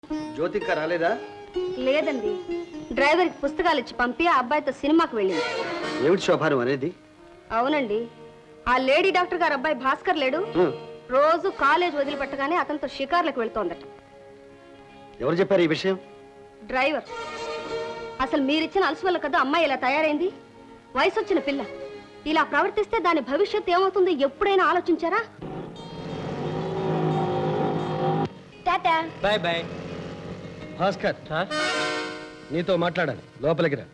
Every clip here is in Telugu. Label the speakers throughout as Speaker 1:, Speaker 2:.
Speaker 1: జ్యోతిక రాలేదా?
Speaker 2: లేదండి, డ్రైవర్కి పుస్తకాలు ఇచ్చి పంపి ఆ అబ్బాయితో సినిమాకి వెళ్ళింది.
Speaker 1: ఏమిటి శోభానం అనేది?
Speaker 2: అవునండి, ఆ లేడీ డాక్టర్ గారు అబ్బాయి భాస్కర్ లేడు, రోజు కాలేజ్ వదిలిపెట్టగానే అతనితో షికార్లకు వెళ్తోందట.
Speaker 1: ఎవరు చెప్పారు ఈ విషయం?
Speaker 2: డ్రైవర్. అసలు మీరిచ్చిన అలసు వల్ల కదా అమ్మాయి ఇలా తయారైంది. వయసు వచ్చిన పిల్ల ఇలా ప్రవర్తిస్తే దాని భవిష్యత్తు ఏమవుతుందో ఎప్పుడైనా ఆలోచించారా? టాటా.
Speaker 1: Bye bye. భాస్కర్, నీతో మాట్లాడాలి, లోపలికి రా.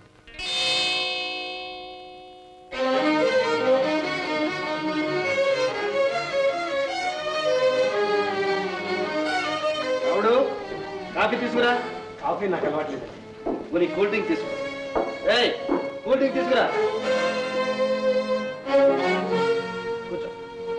Speaker 1: రావుడు, కాఫీ తీసుకురా. కాఫీ నాకు అలవాట్లేదు. మరి కూల్ డ్రింక్ తీసుకురా. ఏయ్, కూల్ డ్రింక్ తీసుకురా. కూర్చో.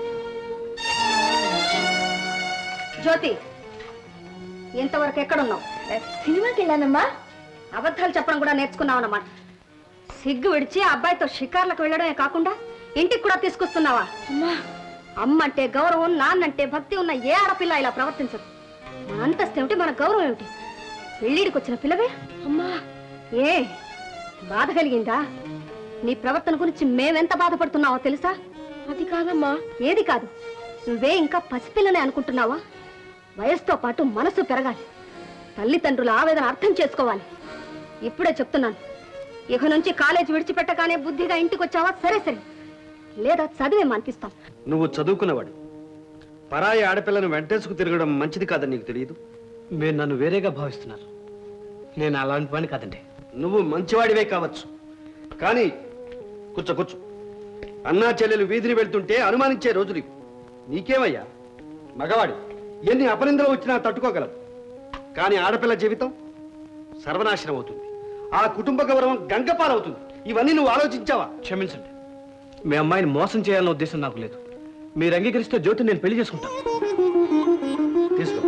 Speaker 2: జ్యోతి, ఇంతవరకు ఎక్కడున్నావు?
Speaker 3: సినిమాకి వెళ్ళానమ్మా.
Speaker 2: అబద్ధాలు చెప్పడం కూడా నేర్చుకున్నావు అన్నమాట. సిగ్గు విడిచి ఆ అబ్బాయితో షికార్లకు వెళ్ళడమే కాకుండా ఇంటికి కూడా తీసుకొస్తున్నావా?
Speaker 3: అమ్మా,
Speaker 2: అమ్మ అంటే గౌరవం, నాన్నంటే భక్తి ఉన్న ఏ ఆడపిల్ల ఇలా ప్రవర్తించదు. మన అంతస్తు ఏమిటి, మన గౌరవం ఏమిటి? పెళ్ళిడికి వచ్చిన పిల్లవే.
Speaker 3: అమ్మా,
Speaker 2: ఏ బాధ కలిగిందా? నీ ప్రవర్తన గురించి మేమెంత బాధపడుతున్నావో తెలుసా?
Speaker 3: అది కాదమ్మా.
Speaker 2: ఏది కాదు? నువ్వే ఇంకా పసిపిల్లనే అనుకుంటున్నావా? వయసుతో పాటు మనసు పెరగాలి. తల్లిదండ్రుల ఆవేదన అర్థం చేసుకోవాలి. ఇప్పుడే చెప్తున్నాను, ఇక నుంచి కాలేజీ విడిచిపెట్టగానే బుద్ధిగా ఇంటికి వచ్చావా సరే సరే, లేదా చదివే మానిపిస్తాం.
Speaker 1: నువ్వు చదువుకున్నవాడు, పరాయి ఆడపిల్లను వెంటేసుకు తిరగడం మంచిది కాదని నీకు తెలియదు?
Speaker 4: మీరు నన్ను వేరేగా భావిస్తున్నారు. నేను అలాంటి వాడిని కాదండి.
Speaker 1: నువ్వు మంచివాడివే కావచ్చు, కానీ కూర్చో కూర్చో. అన్నా చెల్లెలు వీధిని వెళ్తుంటే అనుమానించే రోజులు ఇవి. నీకేమయ్యా, మగవాడి ఎన్ని అపనిందలు వచ్చినా తట్టుకోగలవు. కానీ ఆడపిల్ల జీవితం సర్వనాశనం అవుతుంది. ఆ కుటుంబ గౌరవం గంగపాలవుతుంది. ఇవన్నీ నువ్వు ఆలోచించావా?
Speaker 4: క్షమించండి, మీ అమ్మాయిని మోసం చేయాలన్న ఉద్దేశం నాకు లేదు. మీరు అంగీకరిస్తే జ్యోతి నేను పెళ్లి చేసుకుంటాను.
Speaker 1: తీసుకో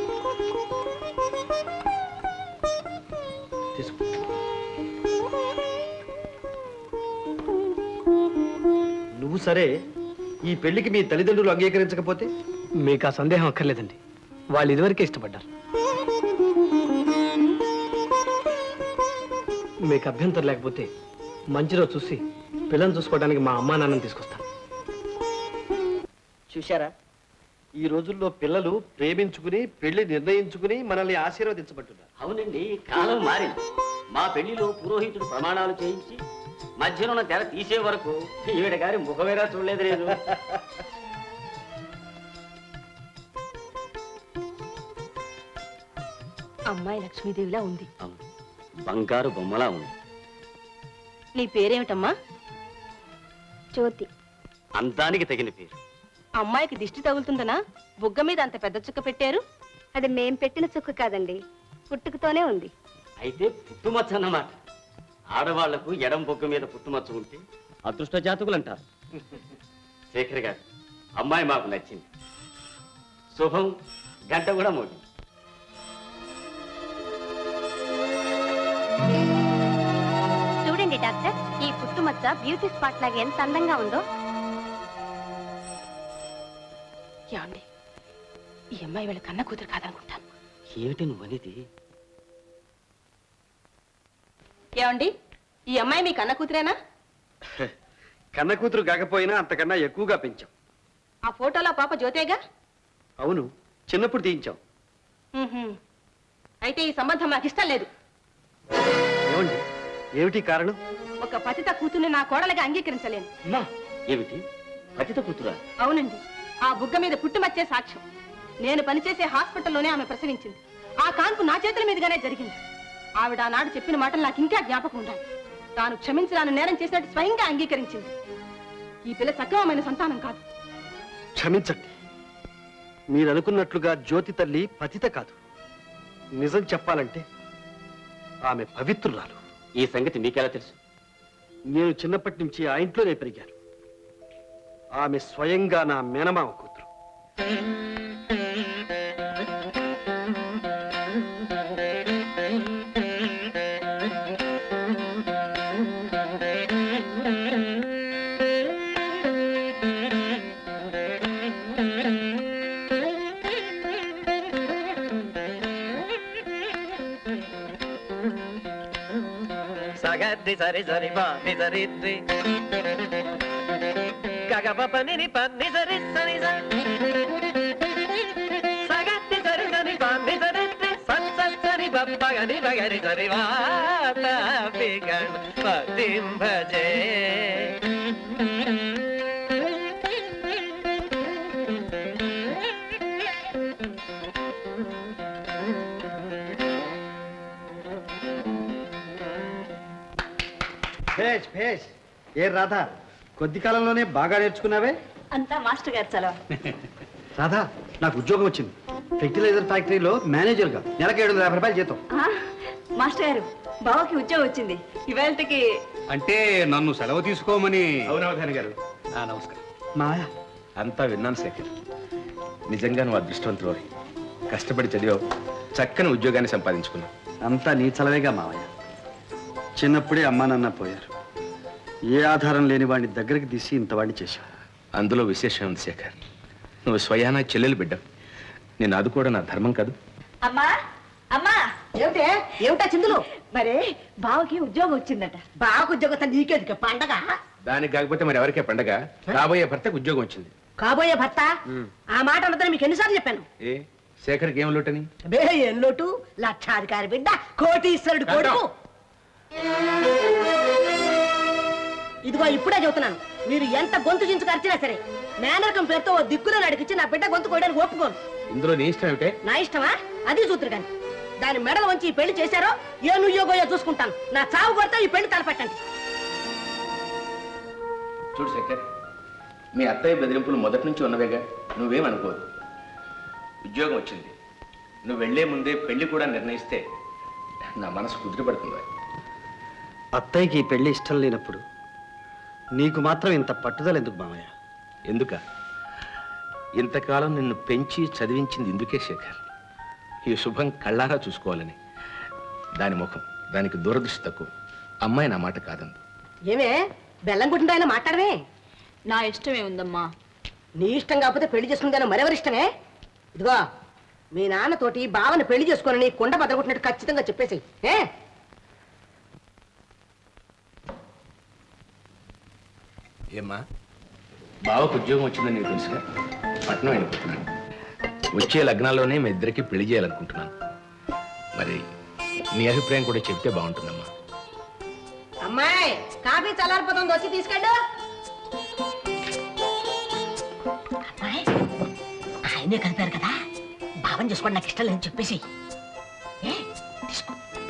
Speaker 1: తీసుకో. నువ్వు సరే, ఈ పెళ్లికి మీ తల్లిదండ్రులు అంగీకరించకపోతే?
Speaker 4: మీకు ఆ సందేహం అక్కర్లేదండి, వాళ్ళు ఇదివరకే ఇష్టపడ్డారు. మీకు అభ్యంతరం లేకపోతే మంచి రోజు చూసి పిల్లని చూసుకోవడానికి మా అమ్మా నాన్నని తీసుకొస్తాను.
Speaker 1: చూశారా, ఈ రోజుల్లో పిల్లలు ప్రేమించుకుని పెళ్లి నిర్ణయించుకుని మనల్ని ఆశీర్వదించబట్టున్నారు.
Speaker 5: అవునండి, కాలం మారింది. మా పెళ్లిలో పురోహితుడు ప్రమాణాలు చేయించి మధ్యలో ఉన్న తెర తీసే వరకు ఈవిడ గారి ముఖమేరా చూడలేదు నేను.
Speaker 3: అమ్మాయి లక్ష్మీదేవిలా ఉంది.
Speaker 5: అవును, బంగారు బొమ్మలా ఉంది.
Speaker 3: నీ పేరేమిటమ్మా?
Speaker 2: జ్యోతి.
Speaker 5: అందానికి తగిన పేరు.
Speaker 3: అమ్మాయికి దిష్టి తగులుతుందనా బుగ్గ మీద అంత పెద్ద చుక్క పెట్టారు?
Speaker 2: అది మేం పెట్టిన చుక్క కాదండి, పుట్టుకతోనే ఉంది.
Speaker 5: అయితే పుట్టుమచ్చ అన్నమాట. ఆడవాళ్లకు ఎడం బొగ్గ మీద పుట్టుమచ్చ ఉంటే అదృష్ట జాతకులు అంటారు. శేఖర్ గారు, అమ్మాయి మాకు నచ్చింది. శుభం. గంట కూడా మోగింది.
Speaker 2: చూడండి డాక్టర్, ఈ పుట్టుమచ్చ బ్యూటీ స్పాట్ లాగా ఎంత అందంగా ఉందో.
Speaker 3: ఏమండి, ఈ అమ్మాయి వీళ్ళ కన్న కూతురు కాదనుకుంటాను.
Speaker 5: ఏమిటి నువ్వనేది?
Speaker 3: ఏమండి, ఈ అమ్మాయి మీ కన్న కూతురేనా?
Speaker 1: కన్న కూతురు కాకపోయినా అంతకన్నా ఎక్కువగా పెంచాం.
Speaker 3: ఆ ఫోటోలో పాప జ్యోతేగా?
Speaker 1: అవును, చిన్నప్పుడు తీయించాం.
Speaker 3: అయితే ఈ సంబంధం నాకు ఇష్టం లేదు.
Speaker 1: ఏమండి, ఏమిటి కారణం?
Speaker 3: ఒక పతిత కూతుర్ని నా కోడలుగా అంగీకరించలేను.
Speaker 5: అమ్మా, ఏమిటి పతిత కూతురా?
Speaker 3: అవునండి, ఆ బుగ్గ మీద పుట్టుమచ్చే సాక్ష్యం. నేను పనిచేసే హాస్పిటల్లోనే ఆమె ప్రసవించింది. ఆ కాన్పు నా చేతుల మీదుగానే జరిగింది. ఆవిడ ఆనాడు చెప్పిన మాటలు నాకు ఇంకా జ్ఞాపకం ఉండాలి. తాను క్షమించరాని నేరం చేసినట్టు స్వయంగా అంగీకరించింది. ఈ పిల్ల సక్రమమైన సంతానం కాదు.
Speaker 1: క్షమించండి, మీరు అనుకున్నట్లుగా జ్యోతి తల్లి పతిత కాదు. నిజం చెప్పాలంటే ఆమె పవిత్రురాలు.
Speaker 5: ఈ సంగతి మీకెలా తెలుసు?
Speaker 1: నేను చిన్నప్పటి నుంచి ఆ ఇంట్లోనే పెరిగాను. ఆమె స్వయంగా నా మేనమామ కూతురు.
Speaker 6: సగది సరి సరి పా ని సరి రి గగ ప ని ప ని సరి సరి స సగది సరి సరి పా ని సరి రి సత్ సత్ సరి ప ప గ ని ప గ ని సరి వా త పి గ పతిం భజే
Speaker 1: భేష్ భేష్. ఏ రాధా, కొద్ది కాలంలోనే బాగా నేర్చుకున్నావే.
Speaker 3: అంతా మాస్టర్ గారు చలవ.
Speaker 1: రాధా, నాకు ఉద్యోగం వచ్చింది. ఫెర్టిలైజర్ ఫ్యాక్టరీలో మేనేజర్గా. నెలకు 750 రూపాయలు జీతం.
Speaker 3: మాస్టర్ గారు, బావకి ఉద్యోగం వచ్చింది. ఇవాళకి
Speaker 7: అంటే నన్ను సెలవు తీసుకోమని.
Speaker 4: అవునవధాని గారు.
Speaker 7: నమస్కారం.
Speaker 1: మాయా,
Speaker 7: అంతా విన్నాను శేఖర్. నిజంగా నువ్వు అదృష్టవంతుడు. కష్టపడి చదివావు, చక్కని ఉద్యోగాన్ని సంపాదించుకున్నావు.
Speaker 1: అంతా నీ చలవేగా మావయ్య. చిన్నప్పుడే అమ్మా నాన్న పోయారు. ఏ ఆధారం లేని వాడిని దగ్గరికి తీసి ఇంతవాడిని చేశావు.
Speaker 7: అందులో విశేషం ఉంది శేఖర్. నువ్వు స్వయానా చెల్లెలు బిడ్డ. నేను ఆదుకోవడం నా ధర్మం కాదు.
Speaker 3: అమ్మా అమ్మా, ఏమిటే ఏమిటా చిందులు? మరి బావకి ఉద్యోగం వచ్చిందట. బావకు ఉద్యోగం నీకేది పండగ?
Speaker 7: దానికి కాకపోతే మరి ఎవరికే పండగ? కాబోయే భర్తకు ఉద్యోగం వచ్చింది.
Speaker 3: కాబోయే భర్త? ఆ మాట అన్నదని మీకు ఎన్నిసార్లు చెప్పాను.
Speaker 7: ఏ శేఖర్కి ఏం లోటని?
Speaker 3: బే ఏం లోటు? లక్షాధికారి బిడ్డ, కోటీశ్వరుడు కొడుకు. ఇదిగో ఇప్పుడే చెబుతున్నాను, మీరు ఎంత గొంతు చించుకు అరిచినా సరే మేనరకం పేరుతో ఓ దిక్కులో నడిపించి నా బిడ్డ గొంతు కోయడానికి ఒప్పుకోను.
Speaker 7: ఇందులో నీ ఇష్టం ఏమిటే?
Speaker 3: నా ఇష్టమా? అది చూతురు కానీ దాని మెడలు వంచి ఈ పెళ్లి చేశారో ఏ నుయ్యోగోయో చూసుకుంటాను. నా చావు కొడితే ఈ పెళ్లి తలపెట్టండి.
Speaker 7: చూడు శేఖర్, మీ అత్తయ్య బెదిరింపులు మొదటి నుంచి ఉన్నవేగా. నువ్వేం అనుకోదు. ఉద్యోగం వచ్చింది. నువ్వు వెళ్లే ముందే పెళ్లి కూడా నిర్ణయిస్తే నా మనసు కుదిరిపడుతుంది.
Speaker 1: అత్తయ్యకి ఈ పెళ్లి ఇష్టం లేనప్పుడు నీకు మాత్రం ఇంత పట్టుదల ఎందుకు మామయ్య?
Speaker 7: ఎందుక? ఇంతకాలం నిన్ను పెంచి చదివించింది ఇందుకే శేఖర్. ఈ శుభం కళ్ళారా చూసుకోవాలని. దాని ముఖం, దానికి దూరదృష్టి తక్కువ. అమ్మాయి నా మాట కాదందు.
Speaker 3: ఏమే బెల్లం గుడ్డ మాట్లాడమే?
Speaker 2: నా ఇష్టమే ఉందమ్మా.
Speaker 3: నీ ఇష్టం కాకపోతే పెళ్లి చేసుకుందాను మరెవరి ఇష్టమే? ఇదిగో మీ నాన్నతోటి బావని పెళ్లి చేసుకోనని కొండ బద్దలుకుంటున్నట్టు ఖచ్చితంగా చెప్పేసి.
Speaker 7: ఏమ్మా, బావకు ఉద్యోగం వచ్చిందని నీకు తెలుసుగా. పట్నం వెళ్ళిపోతున్నాను. వచ్చే లగ్నాల్లోనే మీ ఇద్దరికి పెళ్లి చేయాలనుకుంటున్నాను. మరి నీ అభిప్రాయం కూడా చెప్తే బాగుంటుందమ్మా.
Speaker 3: అమ్మాయి, కాఫీ చల్లారిపోతుంది, వచ్చి తీసుకెళ్ళు. అమ్మాయి, ఆయనే కలిపారు కదా, భావం చేసుకోండి, నాకు ఇష్టం లేదని చెప్పేసి. తీసుకో.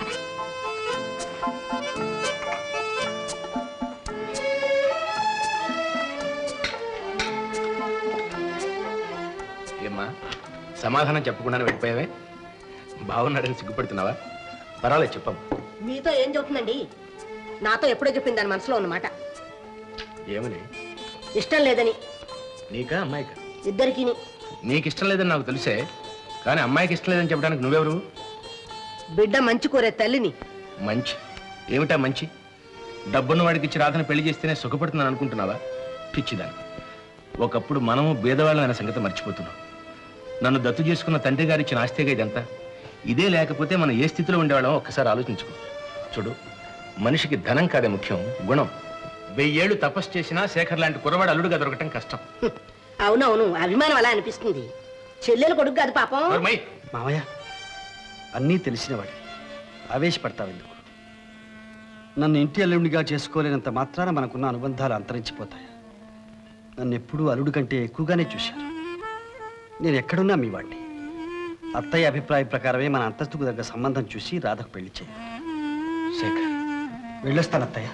Speaker 7: ఏమ్మా, సమాధానం చెప్పకుండానే వెళ్ళిపోయావే? బాగున్నాడని సిగ్గుపడుతున్నావా? పర్వాలేదు, చెప్పమ్మా.
Speaker 3: మీతో ఏం చెబుతుందండి? నాతో ఎప్పుడో చెప్పింది దాని మనసులో ఉన్నమాట.
Speaker 7: ఏమని?
Speaker 3: ఇష్టం లేదని.
Speaker 7: నీకా అమ్మాయికా?
Speaker 3: ఇద్దరికి.
Speaker 7: నీకు ఇష్టం లేదని నాకు తెలిసే, కానీ అమ్మాయికి ఇష్టం లేదని చెప్పడానికి నువ్వెవరు?
Speaker 3: బిడ్డ మంచి కోరే తల్లిని.
Speaker 7: మంచి ఏమిటా మంచి? డబ్బున్న వాడికి ఇచ్చి రాధను పెళ్లి చేస్తేనే సుఖపడుతున్నాను అనుకుంటున్నావా? పిచ్చిదాన్ని. ఒకప్పుడు మనము భేదవాళ్ళం అనే సంగతి మర్చిపోతున్నాం. నన్ను దత్తు చేసుకున్న తండ్రి గారు ఇచ్చిన ఆస్తిగా ఇదంతా. ఇదే లేకపోతే మనం ఏ స్థితిలో ఉండేవాళ్ళం ఒక్కసారి ఆలోచించుకో. చూడు, మనిషికి ధనం కాదే ముఖ్యం, గుణం. 1000 ఏళ్ళు తపస్సు చేసినా శేఖర్ లాంటి కుర్రవాడు అల్లుడుగా దొరకటం కష్టం.
Speaker 3: అవునవును, అభిమానం అలా అనిపిస్తుంది. చెల్లెలు కొడుకు కాదు పాపం.
Speaker 1: మామయ్య, అన్నీ తెలిసినవాడి ఆవేశపడతావు ఎందుకు? నన్ను ఇంటి అల్లుడిగా చేసుకోలేనంత మాత్రాన మనకున్న అనుబంధాలు అంతరించిపోతాయి. నన్ను ఎప్పుడూ అల్లుడి కంటే ఎక్కువగానే చూశారు. నేను ఎక్కడున్నా మీ వాడిని. అత్తయ్య అభిప్రాయ ప్రకారమే మన అంతస్తుకు దగ్గర సంబంధం చూసి రాధకు పెళ్లి చేయాలి. శేఖర్, వెళ్ళొస్తాను అత్తయ్య.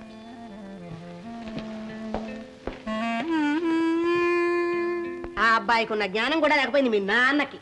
Speaker 3: ఆ అబ్బాయికి ఉన్న జ్ఞానం కూడా లేకపోయింది మీ నాన్నకి.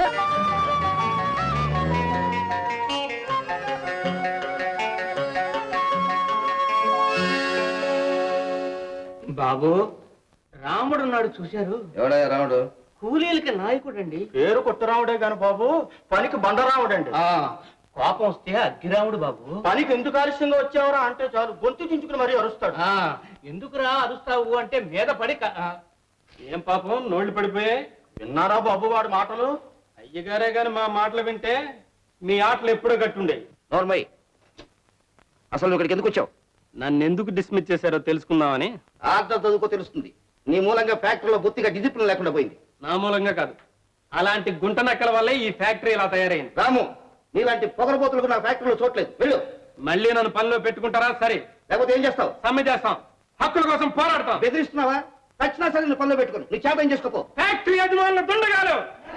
Speaker 6: బాబు, రాముడు ఉన్నాడు చూశారు?
Speaker 7: ఎవడా రాముడు?
Speaker 6: కూలీలకి నాయకుడు అండి.
Speaker 5: పేరు కొట్టరాముడే గాని బాబు, పనికి బండరాముడండి.
Speaker 6: కోపం వస్తే అగ్గిరాముడు బాబు.
Speaker 5: పనికి ఎందుకు ఆలస్యంగా వచ్చావరా అంటే చాలు గొంతు చించుకుని మరీ అరుస్తాడు.
Speaker 6: ఎందుకురా అరుస్తావు అంటే మీద పడి
Speaker 5: ఏం పాపం నోళ్లు పడిపోయాయి. విన్నారా బాబు వాడి మాటలు? అయ్యగారే గాని మా మాటలు వింటే మీ ఆటలు ఎప్పుడో గట్టుండే.
Speaker 7: నోర్మై,
Speaker 1: అసలు నువ్వు ఇక్కడికి ఎందుకు వచ్చావు?
Speaker 5: నన్ను ఎందుకు డిస్మిస్ చేశారో తెలుసుకుందామని.
Speaker 1: ఆర్డర్ చదువుకో తెలుస్తుంది. నీ మూలంగా ఫ్యాక్టరీలో బొత్తిగా డిసిప్లిన్ లేకుండా పోయింది.
Speaker 5: నా మూలంగా కాదు, అలాంటి గుంట నక్కల వల్లే ఈ ఫ్యాక్టరీ ఇలా తయారైంది.
Speaker 1: రాము, నీలాంటి పొగరబోతులకు నా ఫ్యాక్టరీలో చోట్లేదు. వెళ్ళు.
Speaker 5: మళ్ళీ నన్ను పనిలో పెట్టుకుంటారా? సరే,
Speaker 1: లేకపోతే ఏం చేస్తావు?
Speaker 5: సమ్మె చేస్తాం, హక్కుల కోసం పోరాడతాం.
Speaker 1: బెదిరిస్తున్నావా? వచ్చినా సరే నువ్వు పనిలో పెట్టుకుని నీ చేత ఏం చేసుకోపో.
Speaker 5: ఫ్యాక్టరీ యజమానుల దుండగాలు.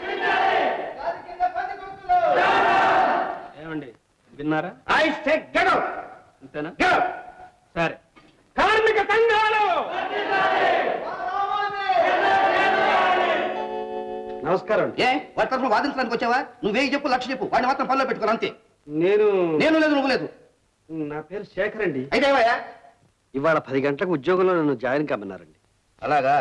Speaker 5: ఏమండి, విన్నారా?
Speaker 1: I say get out.
Speaker 5: అంతేనా?
Speaker 1: Get out.
Speaker 5: సరే. కార్మిక సంఘాలు.
Speaker 1: నమస్కారం. ఏ వాటి తరఫున వాదించడానికి వచ్చావా? నువ్వే చెప్పు, లక్ష చెప్పు, వాడిని మాత్రం పనిలో పెట్టుకోను అంతే.
Speaker 4: నేను
Speaker 1: లేదు నువ్వు లేదు.
Speaker 4: నా పేరు శేఖర్ అండి.
Speaker 1: అయితే ఏమయ్యా?
Speaker 4: ఇవాళ 10 గంటలకు ఉద్యోగంలో నన్ను జాయిన్ కమ్మన్నారండి.
Speaker 1: అలాగా?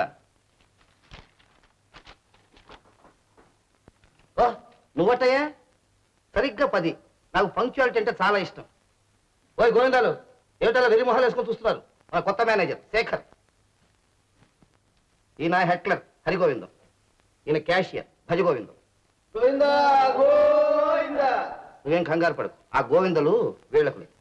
Speaker 1: ఓ నువ్వటయ్యా? సరిగ్గా 10. నాకు పంక్చువాలిటీ అంటే చాలా ఇష్టం. ఓయ్ గోవిందాలు, ఏమిటలా వెరి మొహాలు వేసుకొని చూస్తున్నారు? మా కొత్త మేనేజర్ శేఖర్. ఈయన హెట్లర్ హరిగోవిందం, ఈయన క్యాషియర్ భజగోవిందం. నువ్వేం కంగారు పడకు, ఆ గోవిందలు వీళ్ళకు